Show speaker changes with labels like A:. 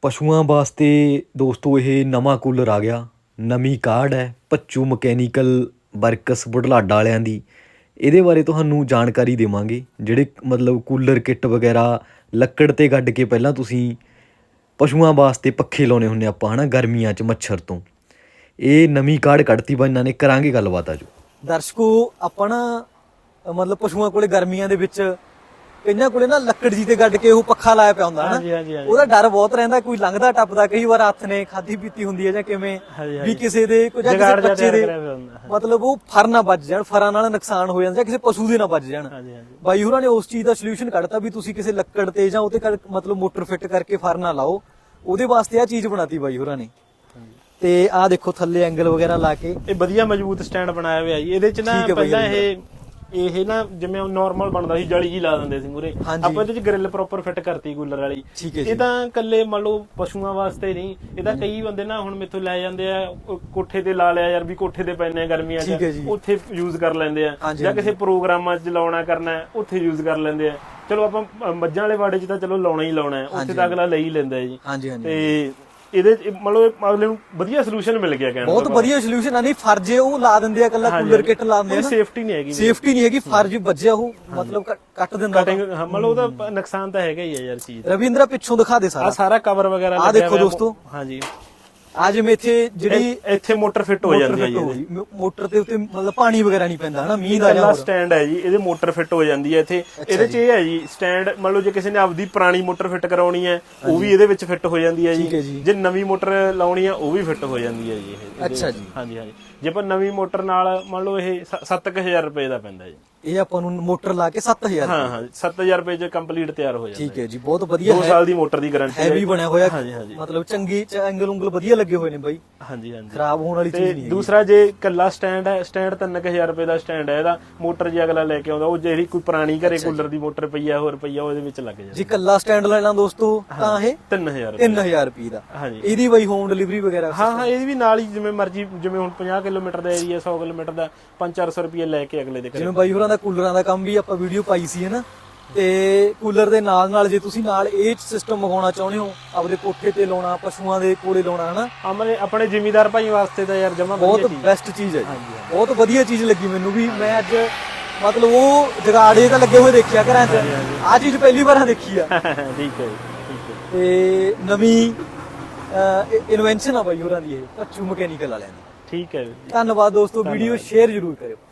A: ਪਸ਼ੂਆਂ ਵਾਸਤੇ ਦੋਸਤੋ ਇਹ ਨਵਾਂ ਕੂਲਰ ਆ ਗਿਆ। ਨਵੀਂ ਕਾਢ ਹੈ ਭੱਚੂ ਮਕੈਨੀਕਲ ਵਰਕਸ ਬੁਢਲਾਡਾ ਵਾਲਿਆਂ ਦੀ। ਇਹਦੇ ਬਾਰੇ ਤੁਹਾਨੂੰ ਜਾਣਕਾਰੀ ਦੇਵਾਂਗੇ। ਜਿਹੜੇ ਮਤਲਬ ਕੂਲਰ ਕਿੱਟ ਵਗੈਰਾ ਲੱਕੜ 'ਤੇ ਗੱਡ ਕੇ ਪਹਿਲਾਂ ਤੁਸੀਂ ਪਸ਼ੂਆਂ ਵਾਸਤੇ ਪੱਖੇ ਲਾਉਂਦੇ ਹੁੰਦੇ ਆਪਾਂ ਹੈ ਨਾ, ਗਰਮੀਆਂ 'ਚ ਮੱਛਰ ਤੋਂ। ਇਹ ਨਵੀਂ ਕਾਢ ਕੱਢਤੀ ਵਾ ਇਹਨਾਂ ਨੇ, ਕਰਾਂਗੇ ਗੱਲਬਾਤ। ਆਜੋ
B: ਦਰਸ਼ਕੋ, ਆਪਾਂ ਨਾ ਮਤਲਬ ਪਸ਼ੂਆਂ ਕੋਲੇ ਗਰਮੀਆਂ ਦੇ ਵਿੱਚ ਕਈਆਂ ਕੋਲੇ ਨਾ ਲੱਕੜ ਜੀ ਤੇ ਗੱਡ ਕੇ ਉਹ ਪੱਖਾ ਲਾਇਆ ਪਿਆ ਹੁੰਦਾ ਨਾ, ਉਹਦਾ ਡਰ ਬਹੁਤ ਰਹਿੰਦਾ। ਕੋਈ ਲੰਘਦਾ ਟੱਪਦਾ ਕਈ ਵਾਰ ਹੱਥ ਨੇ ਖਾਧੀ ਪੀਤੀ ਹੁੰਦੀ ਹੈ ਜਾਂ ਕਿਵੇਂ ਵੀ ਕਿਸੇ ਦੇ ਜਾਂ ਕਿਸੇ ਬੱਚੇ ਦੇ ਮਤਲਬ ਉਹ ਫਰ ਨਾ ਵੱਜ ਜਾਣ, ਫਰਾਂ ਨਾਲ ਨੁਕਸਾਨ ਹੋ ਜਾਂਦਾ ਜਾਂ ਕਿਸੇ ਪਸ਼ੂ ਦੇ ਨਾ ਵੱਜ ਜਾਣ। ਬਾਈ ਹੋਰਾਂ ਨੇ ਉਸ ਚੀਜ਼ ਦਾ ਸੋਲੂਸ਼ਨ ਕੱਢਤਾ ਵੀ ਤੁਸੀਂ ਕਿਸੇ ਲੱਕੜ ਤੇ ਜਾਂ ਉਹਤੇ ਮਤਲਬ ਮੋਟਰ ਫਿੱਟ ਕਰਕੇ ਫਰ ਨਾ ਲਾਓ। ਉਹਦੇ ਵਾਸਤੇ ਆ ਚੀਜ਼ ਬਣਾਤੀ ਬਾਈ ਹੋਰਾਂ ਨੇ। ਤੇ ਆਹ ਦੇਖੋ ਥੱਲੇ ਐਂਗਲ ਵਗੈਰਾ ਲਾ ਕੇ
C: ਇਹ ਵਧੀਆ ਮਜ਼ਬੂਤ ਸਟੈਂਡ ਬਣਾਇਆ ਹੋਇਆ ਜੀ। ਇਹਦੇ ਚ ਨਾ ਪਹਿਲਾਂ ਇਹ ਨਾ ਜਿਵੇਂ ਨਾਰਮਲ ਬਣਦਾ ਸੀ, ਜਲੀ ਜੀ ਲਾ ਦਿੰਦੇ ਸੀ ਮੂਰੇ, ਆਪਾਂ ਇਹਦੇ ਚ ਗ੍ਰਿਲ ਪ੍ਰੋਪਰ ਫਿੱਟ ਕਰਤੀ ਕੂਲਰ ਵਾਲੀ। ਇਹ ਤਾਂ ਕੱਲੇ ਮੰਨ ਲਓ ਪਸ਼ੂਆਂ ਵਾਸਤੇ ਨਹੀਂ, ਇਹਦਾ ਕਈ ਬੰਦੇ ਨਾ ਹੁਣ ਮੇਥੋਂ ਲੈ ਜਾਂਦੇ ਆ, ਕੋਠੇ ਤੇ ਲਾ ਲਿਆ ਯਾਰ ਵੀ ਕੋਠੇ ਤੇ ਪੈਨੇ ਆ ਗਰਮੀਆਂ ਚ, ਉੱਥੇ ਯੂਜ਼ ਕਰ ਲੈਂਦੇ ਆ, ਜਾਂ ਕਿਸੇ ਪ੍ਰੋਗਰਾਮਾਂ ਚ ਲਾਉਣਾ ਕਰਨਾ ਉੱਥੇ ਯੂਜ਼ ਕਰ ਲੈਂਦੇ ਆ। ਚਲੋ ਆਪਾਂ ਮੱਝਾਂ ਵਾਲੇ ਵਾੜੇ ਚ ਤਾਂ ਚਲੋ ਲਾਉਣਾ ਹੀ ਲਾਉਣਾ, ਉੱਥੇ ਤਾਂ ਅਗਲਾ ਲੈ ਹੀ ਲੈਂਦਾ ਜੀ। ਤੇ ਇਹਦੇ ਮਤਲਬ ਅਗਲੇ ਨੂੰ ਵਧੀਆ ਸੋਲੂਸ਼ਨ ਮਿਲ ਗਿਆ। ਕਹਿਣਾ
B: ਬਹੁਤ ਵਧੀਆ ਸੋਲੂਸ਼ਨ ਆ। ਨਹੀਂ ਫਰਜੇ ਉਹ ਲਾ ਦਿੰਦੇ ਆ, ਕੱਲਾ ਕੂਲਰ ਕਿੱਟ ਲਾ ਦਿੰਦੇ ਆ,
C: ਸੇਫਟੀ ਨਹੀਂ ਹੈਗੀ,
B: ਸੇਫਟੀ ਨਹੀਂ ਹੈਗੀ। ਫਰਜ ਵੱਜਿਆ ਉਹ ਮਤਲਬ ਕੱਟ ਦਿੰਦਾ।
C: ਮਤਲਬ ਉਹਦਾ ਨੁਕਸਾਨ ਤਾਂ ਹੈਗਾ ਹੀ ਆ ਯਾਰ ਚੀਜ਼।
B: ਰਵਿੰਦਰਾ ਪਿੱਛੋਂ ਦਿਖਾ ਦੇ ਸਾਰਾ,
C: ਸਾਰਾ ਕਵਰ ਵਗੈਰਾ
B: ਆ ਦੇਖੋ ਦੋਸਤੋ।
C: ਹਾਂਜੀ,
B: ਆ ਜਿਵੇਂ ਇੱਥੇ
C: ਇੱਥੇ ਮੋਟਰ ਫਿੱਟ ਹੋ ਜਾਂਦੀ ਹੈ ਜੀ।
B: ਮੋਟਰ ਦੇ ਉੱਤੇ ਮਤਲਬ ਪਾਣੀ ਵਗੈਰਾ ਨਹੀਂ ਪੈਂਦਾ ਹਨਾ, ਮੀਂਹ ਦਾ ਜਾਂ
C: ਸਟੈਂਡ ਹੈ ਜੀ, ਇਹਦੇ ਮੋਟਰ ਫਿੱਟ ਹੋ ਜਾਂਦੀ ਹੈ ਇੱਥੇ। ਇਹਦੇ ਚ ਇਹ ਹੈ ਜੀ ਸਟੈਂਡ, ਮੰਨ ਲਓ ਜੇ ਕਿਸੇ ਨੇ ਆਪਦੀ ਪੁਰਾਣੀ ਮੋਟਰ ਫਿੱਟ ਕਰਾਉਣੀ ਹੈ ਉਹ ਵੀ ਇਹਦੇ ਵਿੱਚ ਫਿੱਟ ਹੋ ਜਾਂਦੀ ਹੈ ਜੀ। ਜੇ ਨਵੀਂ ਮੋਟਰ ਲਾਉਣੀ ਹੈ ਉਹ ਵੀ ਫਿੱਟ ਹੋ ਜਾਂਦੀ ਹੈ ਜੀ ਇਹ।
B: ਅੱਛਾ ਜੀ।
C: ਹਾਂਜੀ ਹਾਂਜੀ, ਜੇ ਆਪਾਂ ਨਵੀਂ ਮੋਟਰ ਨਾਲ ਮੰਨ ਲਓ ਇਹ 7000 ਰੁਪਏ ਦਾ ਪੈਂਦਾ ਜੀ।
B: ਇਹ ਆਪਾਂ ਨੂੰ ਮੋਟਰ ਲਾ ਕੇ 7000?
C: ਹਾਂ ਹਾਂ, 7000 ਰੁਪਏ ਚ ਕੰਪਲੀਟ ਤਿਆਰ ਹੋ ਜਾਂਦਾ।
B: ਠੀਕ ਹੈ ਜੀ, ਬਹੁਤ ਵਧੀਆ।
C: 2 ਸਾਲ ਦੀ ਮੋਟਰ ਦੀ ਗਾਰੰਟੀ ਹੈ।
B: ਹੈਵੀ ਬਣਿਆ ਹੋਇਆ, ਮਤਲਬ ਚੰਗੀ ਐਂਗਲ ਉਂਗਲ ਵਧੀਆ ਲੱਗੇ ਹੋਏ ਨੇ ਬਾਈ।
C: ਹਾਂਜੀ ਹਾਂਜੀ,
B: ਖਰਾਬ ਹੋਣ ਵਾਲੀ ਚੀਜ਼ ਨਹੀਂ।
C: ਦੂਸਰਾ ਜੇ ਕੱਲਾ ਸਟੈਂਡ ਹੈ, ਸਟੈਂਡ 3000 ਰੁਪਏ ਦਾ ਸਟੈਂਡ ਹੈ ਇਹਦਾ। ਮੋਟਰ ਜੇ ਅਗਲਾ ਲੈ ਕੇ ਆਉਂਦਾ, ਉਹ ਜਿਹੜੀ ਕੋਈ ਪੁਰਾਣੀ ਘਰੇ ਕੂਲਰ ਦੀ ਮੋਟਰ ਪਈ ਆ, ਹੋਰ ਪਈ ਆ, ਉਹਦੇ ਵਿੱਚ ਲੱਗ ਜਾਂਦਾ।
B: ਜੇ ਕੱਲਾ ਸਟੈਂਡ ਲੈਣਾ ਦੋਸਤੋ ਤਾਂ ਇਹ
C: 3000
B: ਰੁਪਏ ਦਾ। ਇਹਦੀ ਬਾਈ ਹੋਮ ਡਿਲੀਵਰੀ ਵਗੈਰਾ?
C: ਹਾਂ ਹਾਂ, ਇਹਦੀ ਵੀ ਨਾਲ ਹੀ ਜਿਵੇਂ ਮਰਜੀ, ਜਿਵੇਂ ਹੁਣ 50 ਕਿਲੋਮੀਟਰ ਦਾ ਏਰੀਆ, 100 ਕਿਲੋਮੀਟਰ ਦਾ 500-400 ਰੁਪਏ ਲੈ ਕੇ ਅਗਲੇ ਦੇ ਘਰੇ।
B: ਜਿਵੇਂ ਬਾਈ ਹੋਰਾਂ ਦਾ ਕੂਲਰਾਂ ਦਾ ਕੰਮ ਵੀ ਆਪਾਂ ਵੀਡੀਓ ਪਾਈ ਸੀ ਹਨਾ, ਤੇ ਕੂਲਰ ਦੇ ਨਾਲ ਜੇ ਤੁਸੀਂ ਨਾਲ ਇਹ ਸਿਸਟਮ ਮੰਗਾਉਣਾ ਚਾਹੁੰਦੇ ਹੋ, ਆਪਦੇ ਕੋਠੇ ਤੇ ਲਾਉਣਾ, ਪਸ਼ੂਆਂ ਦੇ ਕੋਲੇ ਲਾਉਣਾ ਹਨਾ,
C: ਆਪਣੇ ਜ਼ਿਮੀਦਾਰ ਭਾਈ ਵਾਸਤੇ ਤਾਂ ਯਾਰ ਜਮਾ
B: ਬਹੁਤ ਬੈਸਟ ਚੀਜ਼ ਹੈ। ਬਹੁਤ ਵਧੀਆ ਚੀਜ਼ ਲੱਗੀ ਮੈਨੂੰ ਵੀ। ਮੈਂ ਅੱਜ ਮਤਲਬ ਉਹ ਜਗਾੜੇ ਤਾਂ ਲੱਗੇ ਹੋਏ ਦੇਖਿਆ ਘਰਾਂ 'ਚ, ਆਹ ਚੀਜ਼ ਪਹਿਲੀ ਵਾਰ ਦੇਖੀ ਆ।
C: ਠੀਕ ਹੈ।
B: ਤੇ ਨਵੀਂ ਇਨਵੈਂਸ਼ਨ ਆ ਬਾਈ ਹੋਰਾਂ ਦੀ ਇਹ, ਭੱਚੂ ਮਕੈਨੀਕਲ ਵਾਲਿਆਂ ਦੀ।
C: ਠੀਕ ਹੈ,
B: ਧੰਨਵਾਦ ਦੋਸਤੋ। ਵੀਡੀਓ ਸ਼ੇਅਰ ਜ਼ਰੂਰ ਕਰਿਓ।